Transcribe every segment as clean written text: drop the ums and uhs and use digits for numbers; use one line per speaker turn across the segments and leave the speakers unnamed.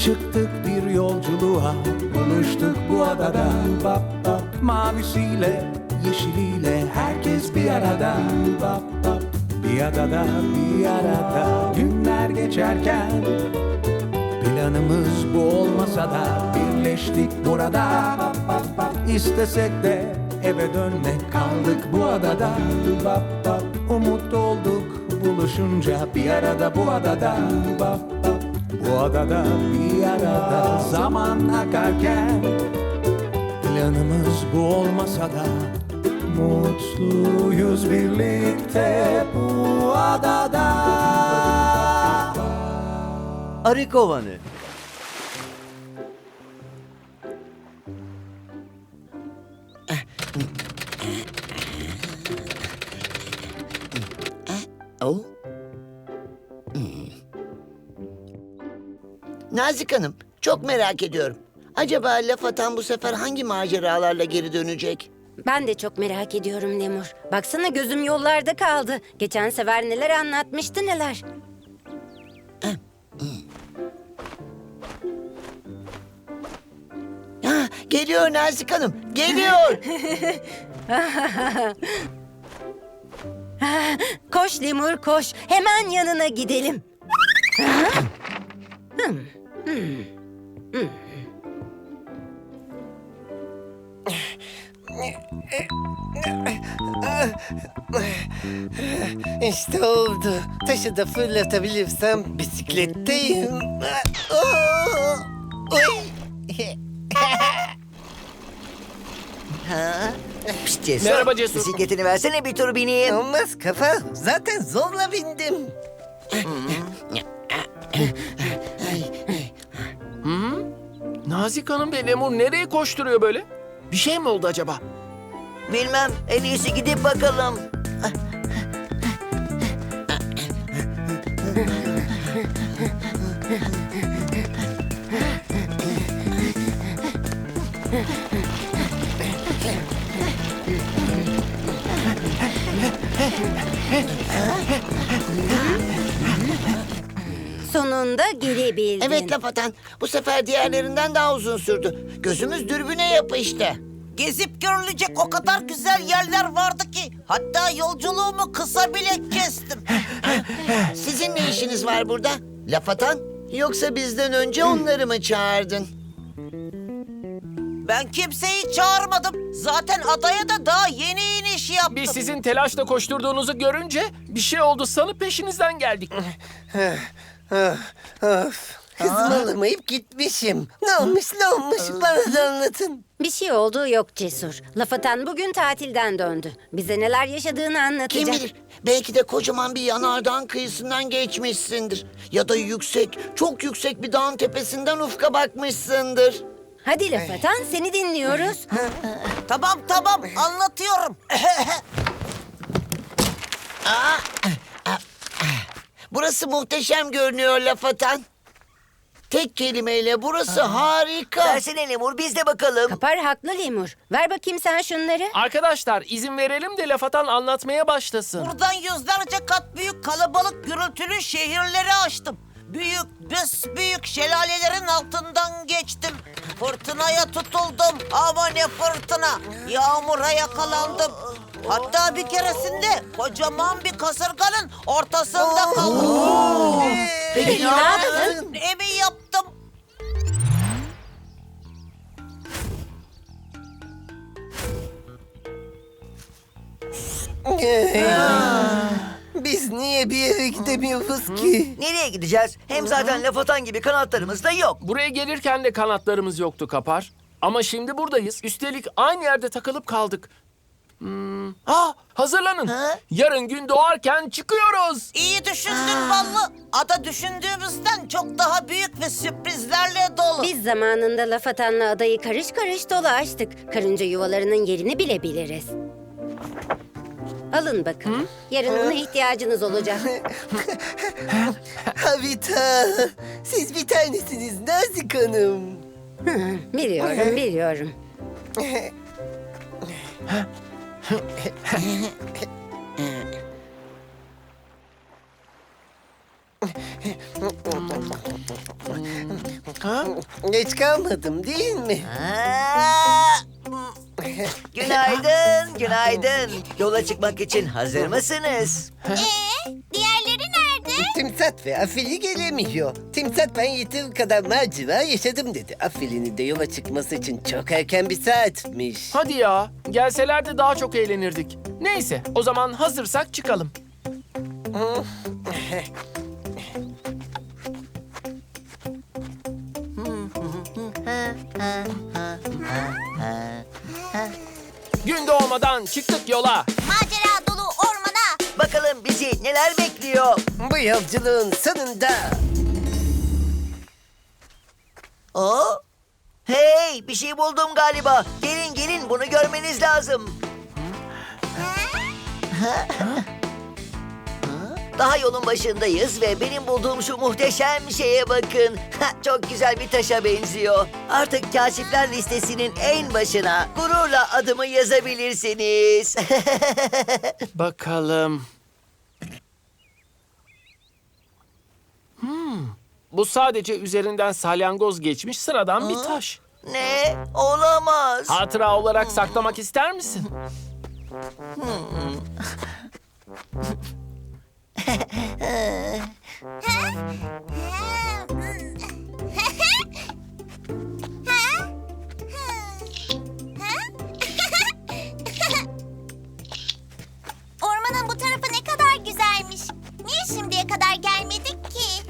Çıktık bir yolculuğa, buluştuk bu adada. Bap bap. Mavisiyle, yeşiliyle herkes bir arada. Bap bap. Bir adada, bir arada. Günler geçerken planımız bu olmasa da birleştik burada. Bap bap bap. İstesek de eve dönmek, kaldık bu adada. Bap bap. Umut olduk buluşunca bir arada bu adada. Bap bap. Bu adada bir arada zaman akarken planımız bu olmasa da mutluyuz birlikte bu adada.
Arı kovanı.
Oh. Nazik Hanım, çok merak ediyorum. Acaba laf atan bu sefer hangi maceralarla geri dönecek?
Ben de çok merak ediyorum Lemur. Baksana gözüm yollarda kaldı. Geçen sefer neler anlatmıştı neler.
Ha, geliyor Nazik Hanım, geliyor.
Koş Lemur koş. Hemen yanına gidelim.
İşte oldu. Taşı da fırlatabilirsem bisikletteyim.
Pişt Cesur.
Merhaba Cesur.
Bisikletini versene bir tur bineyim.
Olmaz kafa. Zaten zorla bindim.
Nazik Hanım ve Lemur nereye koşturuyor böyle? Bir şey mi oldu acaba?
Bilmem. En iyisi gidip bakalım.
Sonunda gelebildin.
Evet laf atan, bu sefer diğerlerinden daha uzun sürdü. Gözümüz dürbüne yapıştı.
Gezip görülecek o kadar güzel yerler vardı ki hatta yolculuğumu kısa bile kestim.
Sizin ne işiniz var burada? Laf atan? Yoksa bizden önce onları mı çağırdın?
Ben kimseyi çağırmadım. Zaten adaya da daha yeni iniş yaptım.
Biz sizin telaşla koşturduğunuzu görünce bir şey oldu sanıp peşinizden geldik.
Of. Hızımı alamayıp gitmişim. Ne olmuş bana da anlatın.
Bir şey olduğu yok Cesur. Laf atan bugün tatilden döndü. Bize neler yaşadığını anlatacak.
Kim bilir? Belki de kocaman bir yanardağın kıyısından geçmişsindir. Ya da yüksek, çok yüksek bir dağın tepesinden ufka bakmışsındır.
Hadi laf atan seni dinliyoruz.
Tamam anlatıyorum.
Burası muhteşem görünüyor laf atan. Tek kelimeyle burası harika.
Versene Lemur biz de bakalım.
Kapar haklı Lemur. Ver bakayım sen şunları.
Arkadaşlar izin verelim de laf atan anlatmaya başlasın.
Buradan yüzlerce kat büyük kalabalık gürültülü şehirleri açtım. Büyük şelalelerin altından geçtim. Fırtınaya tutuldum. Ama ne fırtına. Yağmura yakalandım. Hatta bir keresinde kocaman bir kasırganın ortasında kaldım.
Peki ne yaptın?
Evi yaptım.
Biz niye bir yere gidemiyoruz ki?
Nereye gideceğiz? Hem zaten laf atan gibi kanatlarımız da yok.
Buraya gelirken de kanatlarımız yoktu Kapar. Ama şimdi buradayız. Üstelik aynı yerde takılıp kaldık. Hazırlanın. Yarın gün doğarken çıkıyoruz.
İyi düşündün Ballı. Ada düşündüğümüzden çok daha büyük ve sürprizlerle dolu.
Biz zamanında laf atanla adayı karış karış dolaştık. Karınca yuvalarının yerini bile biliriz. Alın bakın. Yarın ona ihtiyacınız olacak.
Havita, siz bir tanesiniz Nazik Hanım.
Biliyorum.
Geç kalmadım değil mi?
Aa! Günaydın, günaydın. Yola çıkmak için hazır mısınız?
Diğerleri nerede?
Timsat ve Afili gelemiyor. Timsat ben yeteri kadar macera yaşadım dedi. Afili'nin de yola çıkması için çok erken bir saatmiş.
Hadi ya, gelselerdi daha çok eğlenirdik. Neyse, o zaman hazırsak çıkalım. Gün doğmadan çıktık yola.
Macera dolu ormana.
Bakalım bizi neler bekliyor?
Bu yolculuğun sonunda
Aa! Hey, bir şey buldum galiba. Gelin gelin, bunu görmeniz lazım. Daha yolun başındayız ve benim bulduğum şu muhteşem şeye bakın. Çok güzel bir taşa benziyor. Artık kaşifler listesinin en başına gururla adımı yazabilirsiniz.
Bakalım. Bu sadece üzerinden salyangoz geçmiş sıradan bir taş.
Ne? Olamaz.
Hatıra olarak saklamak ister misin?
Ormanın bu tarafı ne kadar güzelmiş. Niye şimdiye kadar gelmedik ki?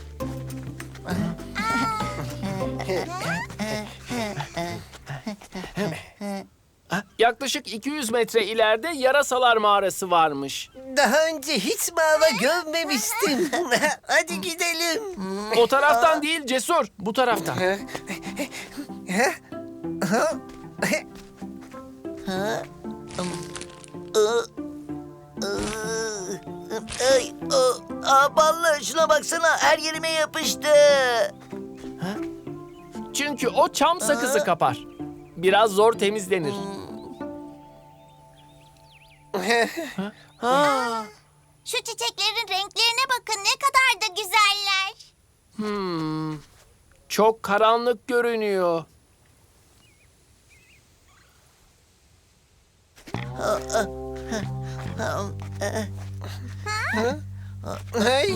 Yaklaşık 200 metre ileride Yarasalar Mağarası varmış.
daha önce hiç mağara görmemiştim. Hadi gidelim.
O taraftan değil Cesur, bu taraftan.
Ay, ballı, şuna baksana, her yerime yapıştı.
Çünkü o çam sakızı kapar. Biraz zor temizlenir.
Şu çiçeklerin renklerine bakın ne kadar da güzeller.
Çok karanlık görünüyor.
Ay.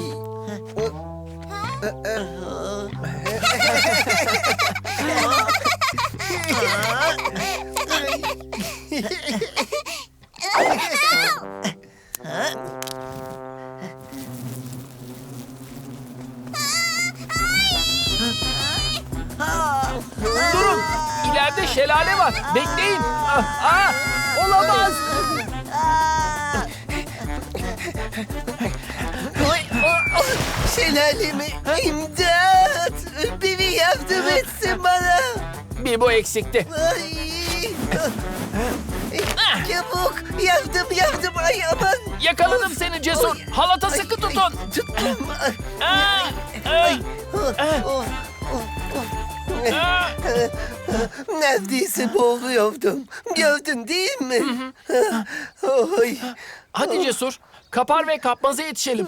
Durun, ileride şelale var. Bekleyin. Olamaz.
Şelalemi imdat. Biri yardım etsin bana.
Bir bu eksikti.
Ay. Çabuk yardım ay aman.
Yakaladım seni Cesur. Halata sıkı tutun.
Tuttum.
Aa,
Oh, neredeyse boğuluyordum. Gördün değil mi? Oy.
Hadi Cesur, kapar ve kapmaza yetişelim.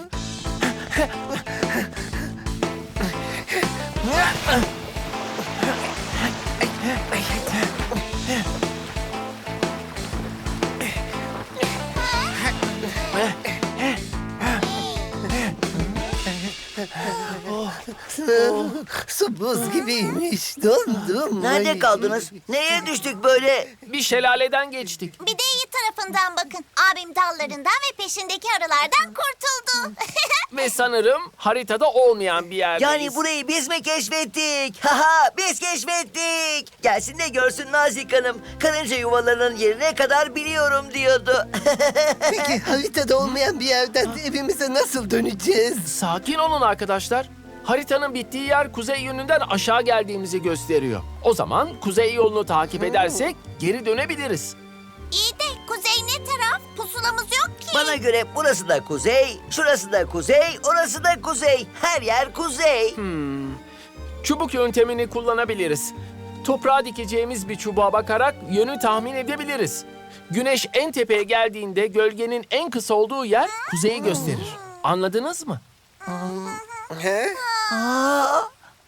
Su buz gibiymiş. Dondum.
Nerede
Ay.
kaldınız? Neye düştük böyle?
Bir şelaleden geçtik.
Bir de iyi tarafından bakın. Abim dallarından ve peşindeki arılardan kurtuldu.
Ve sanırım haritada olmayan bir yerdeyiz.
Yani burayı biz mi keşfettik? Haha, biz keşfettik. Gelsin de görsün Nazik Hanım. Karınca yuvalarının yerine kadar biliyorum diyordu.
Peki haritada olmayan bir yerden evimize nasıl döneceğiz?
Sakin olun arkadaşlar. Haritanın bittiği yer kuzey yönünden aşağı geldiğimizi gösteriyor. O zaman kuzey yolunu takip edersek geri dönebiliriz.
İyi de kuzey ne taraf? Pusulamız yok ki.
Bana göre burası da kuzey, şurası da kuzey, orası da kuzey. Her yer kuzey.
Çubuk yöntemini kullanabiliriz. Toprağa dikeceğimiz bir çubuğa bakarak yönü tahmin edebiliriz. Güneş en tepeye geldiğinde gölgenin en kısa olduğu yer kuzeyi gösterir. Anladınız mı?
He?
Aa,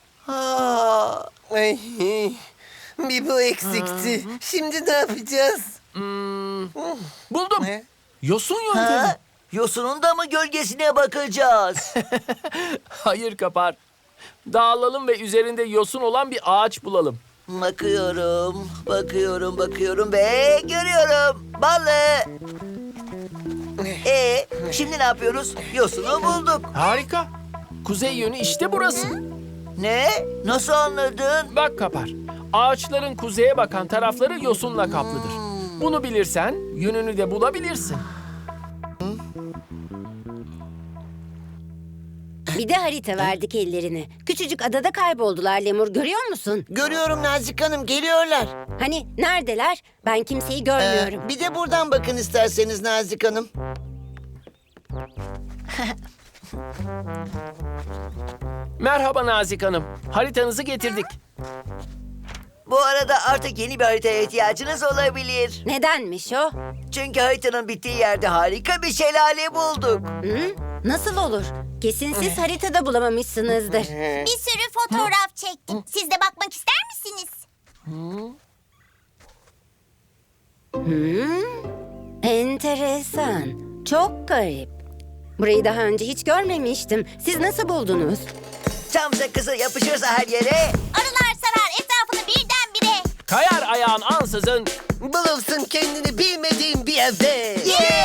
Ay, bir bu eksikti. Şimdi ne yapacağız?
Buldum.
Ne?
Yosun yöntemi.
Ha? Yosunun da mı gölgesine bakacağız?
Hayır Kapar. Dağılalım ve üzerinde yosun olan bir ağaç bulalım.
Bakıyorum ve görüyorum. Balı. Şimdi ne yapıyoruz? Yosunu bulduk.
Harika. Kuzey yönü işte burası.
Ne? Nasıl anladın?
Bak Kapar. Ağaçların kuzeye bakan tarafları yosunla kaplıdır. Bunu bilirsen yönünü de bulabilirsin.
Bir de harita verdik ellerine. Küçücük adada kayboldular Lemur, görüyor musun?
görüyorum Nazik Hanım, geliyorlar.
Hani neredeler? Ben kimseyi görmüyorum.
Bir de buradan bakın isterseniz Nazik Hanım.
Merhaba Nazik Hanım. Haritanızı getirdik.
Bu arada artık yeni bir haritaya ihtiyacınız olabilir.
Nedenmiş o?
Çünkü haritanın bittiği yerde harika bir şelale bulduk.
Hı? Nasıl olur? Kesin siz haritada bulamamışsınızdır.
Bir sürü fotoğraf çektim. Siz de bakmak ister misiniz?
Enteresan. Çok garip. Burayı daha önce hiç görmemiştim. Siz nasıl buldunuz?
Çam sakızı yapışırsa her yere.
Arılar sarar etrafını birdenbire.
Kayar ayağın ansızın.
Bulursun kendini bilmediğin bir yerde.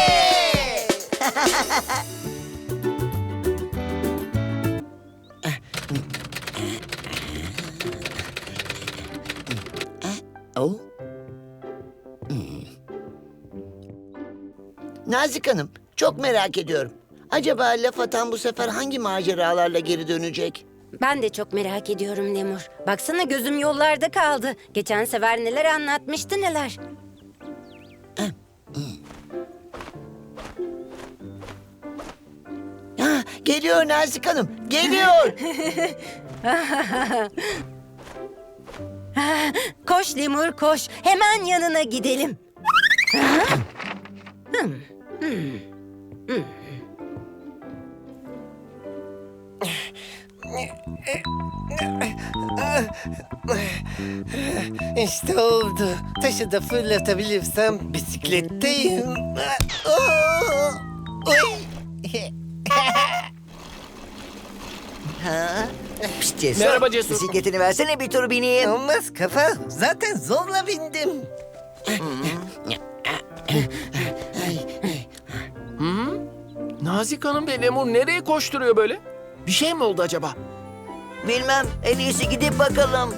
Oh. Nazik Hanım, çok merak ediyorum. Acaba laf atan bu sefer hangi maceralarla geri dönecek?
Ben de çok merak ediyorum Lemur. Baksana gözüm yollarda kaldı. Geçen sefer neler anlatmıştı neler.
Ha, geliyor Nazik Hanım, geliyor.
Koş Lemur koş. Hemen yanına gidelim.
İşte oldu. Taşı da fırlatabilirsem bisikletteyim. Oy.
Pişt Cesur.
Merhaba Cesur.
Bisikletini versene bir tur bineyim.
Olmaz kafa. Zaten zorla bindim.
Nazik Hanım ve Lemur nereye koşturuyor böyle? Bir şey mi oldu acaba?
Bilmem, en iyisi gidip bakalım.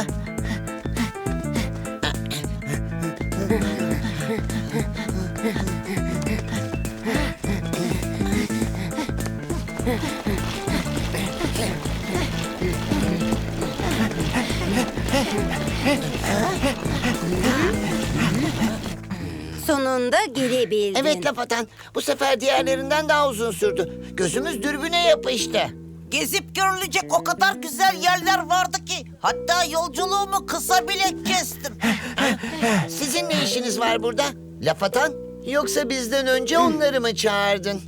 Sonunda gelebildin.
Evet laf atan, bu sefer diğerlerinden daha uzun sürdü. Gözümüz dürbüne yapıştı.
Gezip görülecek o kadar güzel yerler vardı ki. Hatta yolculuğumu kısa bile kestim.
Sizin ne işiniz var burada? Laf atan? Yoksa bizden önce onları mı çağırdın?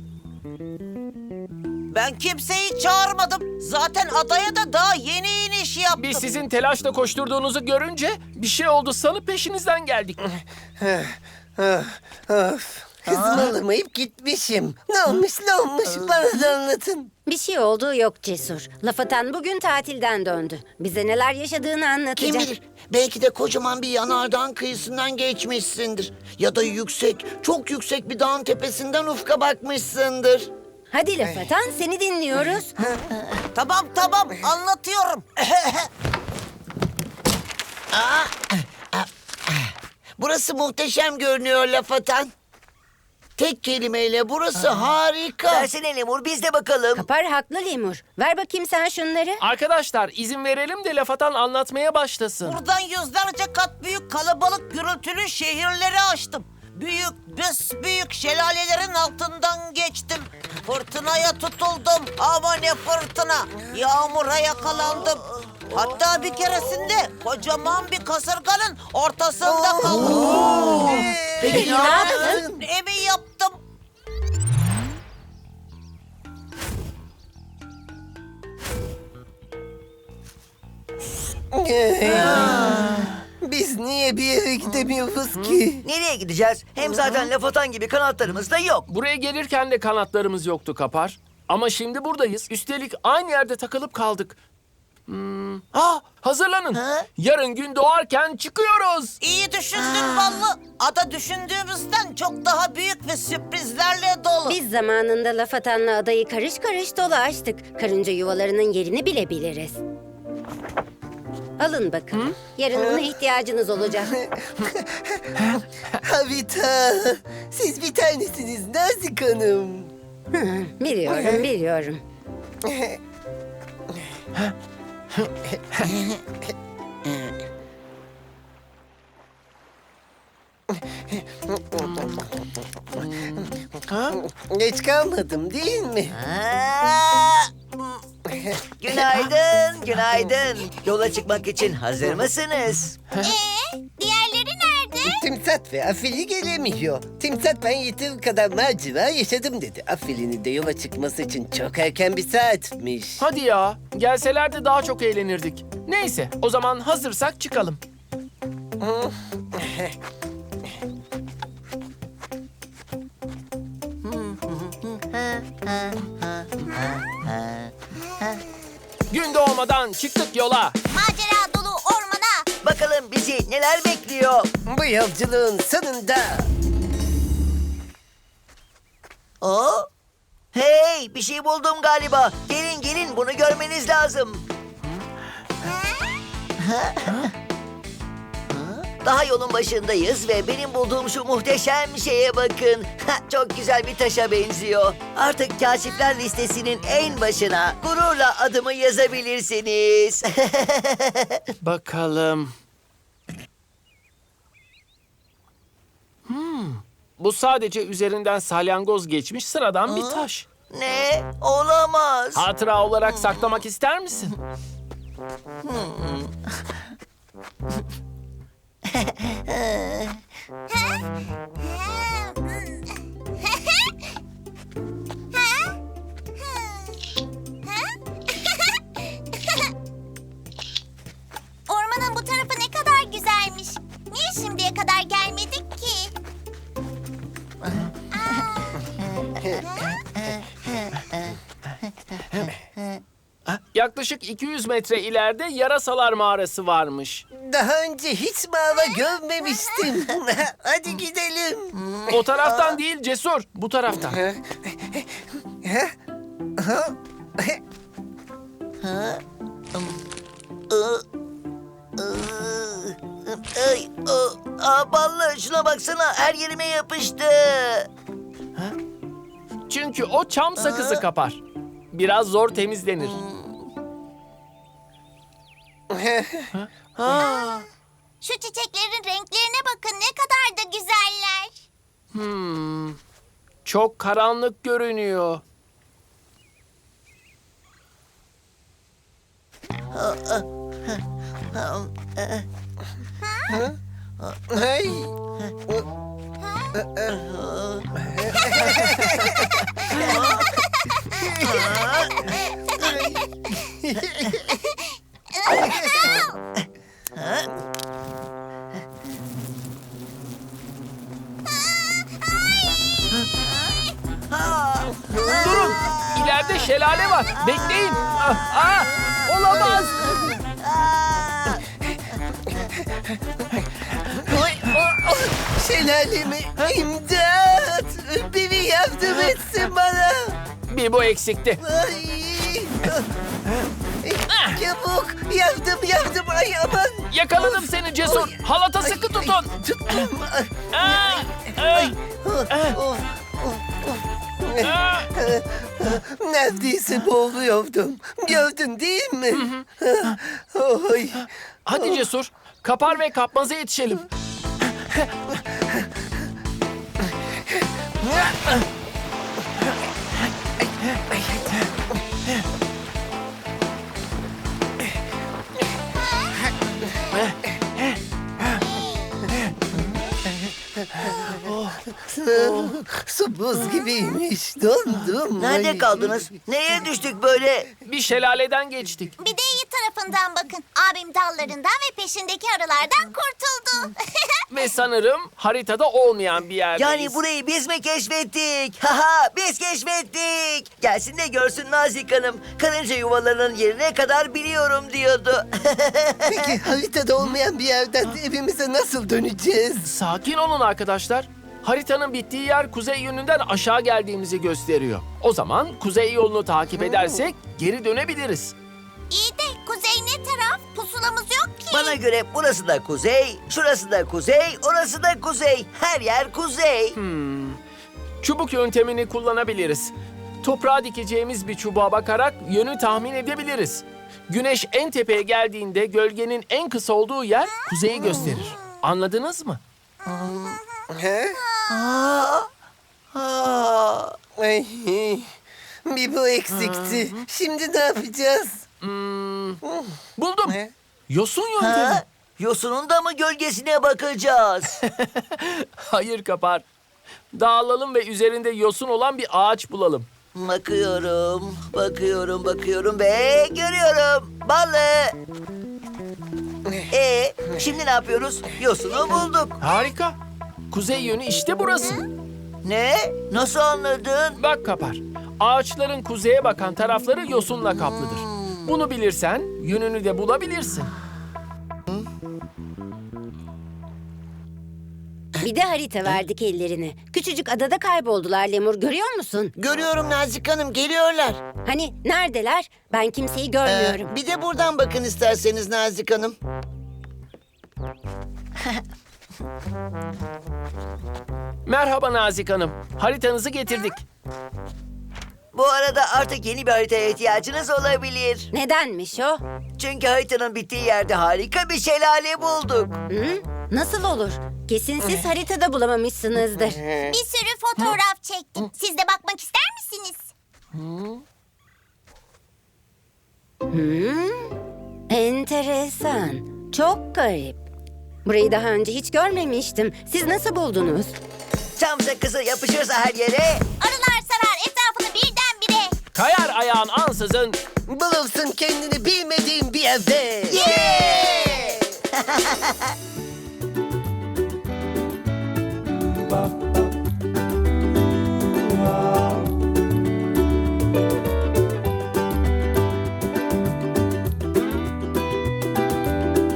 Ben kimseyi çağırmadım. Zaten adaya da daha yeni iniş yaptım.
Biz sizin telaşla koşturduğunuzu görünce bir şey oldu sanıp peşinizden geldik.
Of. Hızımı alamayıp gitmişim. Ne olmuş bana da anlatın.
Bir şey olduğu yok Cesur. Laf atan bugün tatilden döndü. Bize neler yaşadığını anlatacak.
Kim bilir? Belki de kocaman bir yanardağın kıyısından geçmişsindir. Ya da yüksek, çok yüksek bir dağın tepesinden ufka bakmışsındır.
Hadi laf atan, seni dinliyoruz.
Tamam anlatıyorum.
Burası muhteşem görünüyor laf atan. Tek kelimeyle burası harika.
Versene Lemur, biz de bakalım.
Kapar haklı Lemur. Ver bakayım sen şunları.
Arkadaşlar izin verelim de laf atan anlatmaya başlasın.
Buradan yüzlerce kat büyük kalabalık gürültülü şehirleri açtım. Büyük şelalelerin altından geçtim. Fırtınaya tutuldum. Ama ne fırtına. Yağmura yakalandım. Hatta bir keresinde kocaman bir kasırganın ortasında kaldım.
Peki ne yaptın?
Evi yaptım.
Biz niye bir yere gidemiyoruz ki?
Nereye gideceğiz? Hem zaten laf atan gibi kanatlarımız da yok.
Buraya gelirken de kanatlarımız yoktu Kapar. Ama şimdi buradayız. Üstelik aynı yerde takılıp kaldık. Hazırlanın. Yarın gün doğarken çıkıyoruz.
İyi düşündün Ballı. Ada düşündüğümüzden çok daha büyük ve sürprizlerle dolu.
Biz zamanında laf atanla adayı karış karış dolaştık. Karınca yuvalarının yerini bile biliriz. Alın bakın. Yarın ona ihtiyacınız olacak.
Havita, siz bir tanesiniz Nazik Hanım.
Biliyorum, biliyorum.
Geç kalmadım değil mi?
Günaydın, günaydın. Yola çıkmak için hazır mısınız?
Diğerleri nerede?
Timsat ve Afili gelemiyor. Timsat ben yeteri kadar macera yaşadım dedi. Afili'nin de yola çıkması için çok erken bir saatmiş.
Hadi ya. Gelselerdi daha çok eğlenirdik. Neyse, o zaman hazırsak çıkalım. Gün doğmadan çıktık yola.
Macera dolu ormana.
Bakalım bizi neler bekliyor?
Bu yolculuğun sonunda
Hey, bir şey buldum galiba. Gelin gelin, bunu görmeniz lazım. Daha yolun başındayız ve benim bulduğum şu muhteşem şeye bakın. Çok güzel bir taşa benziyor. Artık kaşifler listesinin en başına gururla adımı yazabilirsiniz.
Bakalım. Bu sadece üzerinden salyangoz geçmiş sıradan bir taş.
Ne? Olamaz.
Hatıra olarak saklamak ister misin?
Ormanın bu tarafı ne kadar güzelmiş. Niye şimdiye kadar gelmedik ki?
Yaklaşık 200 metre ileride Yarasalar Mağarası varmış.
daha önce hiç mağara görmemiştim. Hadi gidelim.
O taraftan değil Cesur, bu taraftan.
Ballı, şuna baksana, her yerime yapıştı.
Çünkü o çam sakızı Kapar. Biraz zor temizlenir.
Şu çiçeklerin renklerine bakın, ne kadar da güzeller.
Çok karanlık görünüyor.
Hey.
Durun, ileride şelale var. Bekleyin. Olamaz.
Şelalemi imdat. Biri yardım etsin bana.
Bir bu eksikti.
Ay. Çabuk yardım ay aman.
Yakaladım seni Cesur. Halata sıkı tutun.
Tuttum. Neredeyse boğuluyordum. Gördün değil mi? Oy.
Hadi Cesur, kapar ve kapmaza yetişelim.
Su buz gibiymiş. Dondum.
Nerede
Ay.
kaldınız? Neye düştük böyle?
Bir şelaleden geçtik.
Bir de iyi tarafı tarafından bakın. Abim dallarından ve peşindeki arılardan kurtuldu.
Ve sanırım haritada olmayan bir yerdeyiz.
Yani burayı biz mi keşfettik? Haha, biz keşfettik. Gelsin de görsün Nazik Hanım. Karınca yuvalarının yerine kadar biliyorum diyordu.
Peki haritada olmayan bir yerden evimize nasıl döneceğiz?
Sakin olun arkadaşlar. Haritanın bittiği yer kuzey yönünden aşağı geldiğimizi gösteriyor. O zaman kuzey yolunu takip edersek geri dönebiliriz.
İyi de kuzey ne taraf? Pusulamız yok ki.
Bana göre burası da kuzey, şurası da kuzey, orası da kuzey. Her yer kuzey.
Çubuk yöntemini kullanabiliriz. Toprağa dikeceğimiz bir çubuğa bakarak yönü tahmin edebiliriz. Güneş en tepeye geldiğinde gölgenin en kısa olduğu yer kuzeyi gösterir. Anladınız mı?
He?
Aa,
Ay, bir bu eksikti. Şimdi ne yapacağız?
Buldum.
Ne?
Yosun yöntemi.
ha? Yosunun da mı gölgesine bakacağız?
Hayır Kapar. Dağılalım ve üzerinde yosun olan bir ağaç bulalım.
Bakıyorum ve görüyorum. Balı. Şimdi ne yapıyoruz? Yosunu bulduk.
Harika. Kuzey yönü işte burası.
Ne? Nasıl anladın?
Bak Kapar. Ağaçların kuzeye bakan tarafları yosunla kaplıdır. Bunu bilirsen yönünü de bulabilirsin.
Bir de harita verdik ellerine. Küçücük adada kayboldular Lemur, görüyor musun?
Görüyorum Nazik Hanım, geliyorlar.
Hani neredeler? Ben kimseyi görmüyorum.
Bir de buradan bakın isterseniz Nazik Hanım.
Merhaba Nazik Hanım. Haritanızı getirdik.
Bu arada artık yeni bir haritaya ihtiyacınız olabilir.
Nedenmiş o?
Çünkü haritanın bittiği yerde harika bir şelale bulduk.
Hı? Nasıl olur? Kesin siz haritada bulamamışsınızdır.
Bir sürü fotoğraf çektim. Siz de bakmak ister misiniz?
Enteresan. Çok garip. Burayı daha önce hiç görmemiştim. Siz nasıl buldunuz?
Çam sakızı yapışırsa her yere.
Arılar sarar etrafını birdenbire.
Kayar ayağın ansızın.
Bulursun kendini bilmediğin bir yerde.
Yeah!